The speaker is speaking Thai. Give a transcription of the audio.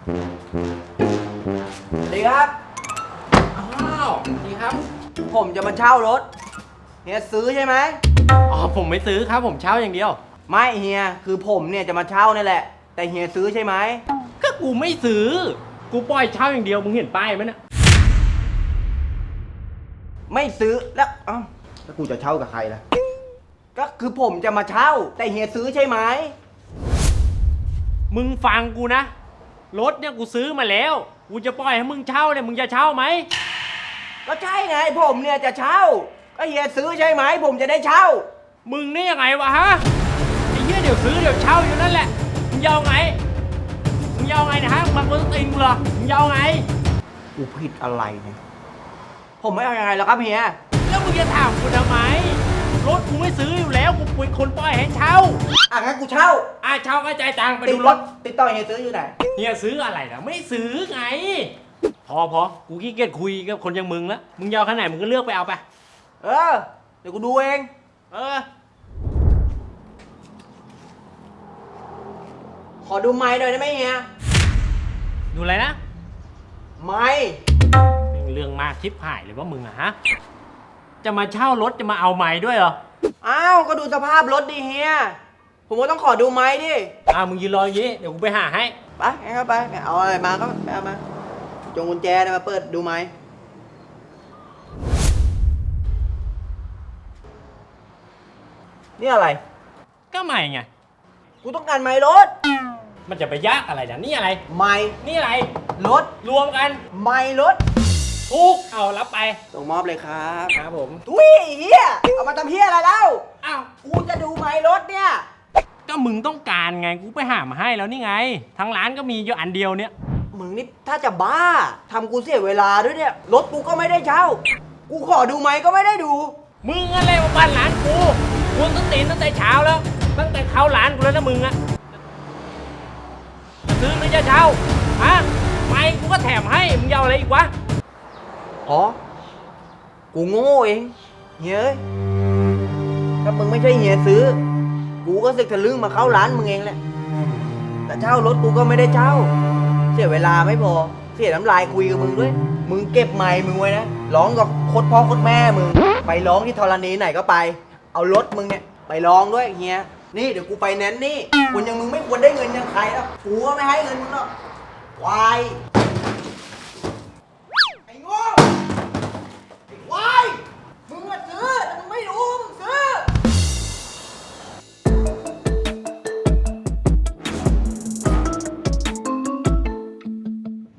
สวัสดีครับอ้าวดีครับผมจะมาเช่ารถเฮียซื้อใช่ไหมอ๋อผมไม่ซื้อครับผมเช่าอย่างเดียวไม่เฮียคือผมเนี่ยจะมาเช่านี่แหละแต่เฮียซื้อใช่ไหมก็กูไม่ซื้อ กูปล่อยเช่าอย่างเดียวมึงเห็นป้ายไหมเนี่ยไม่ซื้อแล้วแล้วกูจะเช่ากับใครล่ะก็คือผมจะมาเช่าแต่เฮียซื้อใช่ไหมมึงฟังกูนะ รถเนี่ยกูซื้อมาแล้ว กูจะปล่อยให้มึงเช่าเนี่ยมึงจะเช่าไหมก็ใช่ไงผมเนี่ยจะเช่าก็เฮียซื้อใช่ไหมผมจะได้เช่ามึงนี่ยังไงวะฮะ ไอ้เหี้ยเดี๋ยวซื้อเดี๋ยวเช่าอยู่นั่นแหละ มึงยาวไง มึงยาวไงนะฮะมึงมาคนตีนกูเหรอ มึงยาวไงกูผิดอะไรเนี่ยผมไม่เอายังไงแล้วครับเฮียแล้วมึงจะถามกูทำไม รถกูไม่ซื้ออยู่แล้ว กูเป็นคนปล่อยให้เช่างั้นกูเช่าเช่าก็จ่ายตังค์ไปติดูดรรถถติดต่อเฮียซื้ออยู่ไหนเฮียซื้ออะไรล่ะไม่ซื้อไง พอกูขี้เกียจคุยกับคนอย่างมึงแล้วมึงยาวขนาดไหนมึงก็เลือกไปเอาไปเดี๋ยวกูดูเองเออขอดูไม้หน่อยได้ไหมเฮียดูอะไรนะไม้เรื่องมากชิบหายเลยว่ามึงอะฮะจะมาเช่ารถจะมาเอาไม้ด้วยเหรอก็ดูสภาพรถดิเฮียผมก็ต้องขอดูไม้ดิมึงยืนรออย่างนี้เดี๋ยวกูไปหาให้ไปงั้นก็ไปเอาอะไรมาก็ไปเอามาจงกุญแจเนี่ยมาเปิดดูไม้นี่อะไรก็ไม่ไงกูต้องการไม้รถมันจะไปยากอะไรนะนี่อะไรไม้นี่อะไรรถรวมกันไม้รถทุกเอารับไปส่งมอบเลยครับครับผมทุยเฮียเอามาทำเฮียอะไรแล้วอ้าวกูจะดูไม้รถเนี่ยก็มึงต้องการไงกูไปหามาให้แล้วนี่ไงทั้งร้านก็มีอยู่อันเดียวเนี่ยมึงนี่ถ้าจะบ้าทำกูเสียเวลาด้วยเนี่ยรถกูก็ไม่ได้เช่า กูขอดูไม้ก็ไม่ได้ดูมึงอะไรมาบ้านร้านกูกูต้องตีนตั้งแต่เช้าแล้ว ตั้งแต่เข้าร้านกูแล้วนะมึงอะจะซื้อหรือจะเช่าฮะไม่กูก็แถมให้มึงจะเอาอะไรอีกวะอ๋อ กูโง่เองเฮ้ยถ้ามึงไม่ใช่เฮียซื้อ กูก็สึกทะลึ่งมาเข้าร้านมึงเองแหละ แต่เช่ารถกูก็ไม่ได้เช่า เสียเวลาไม่พอ เสียน้ำลายคุยกับมึงด้วย มึงเก็บไมค์มึงไว้นะ ร้องกับโคตรพ่อโคตรแม่มึง ไปร้องที่ธรณีไหนก็ไป เอารถมึงเนี่ยไปร้องด้วยเฮีย นี่เดี๋ยวกูไปแนนนี่คนอย่างมึงไม่ควรได้เงินอย่างใครแล้วกูก็ไม่ให้เงินมึงหรอกวาย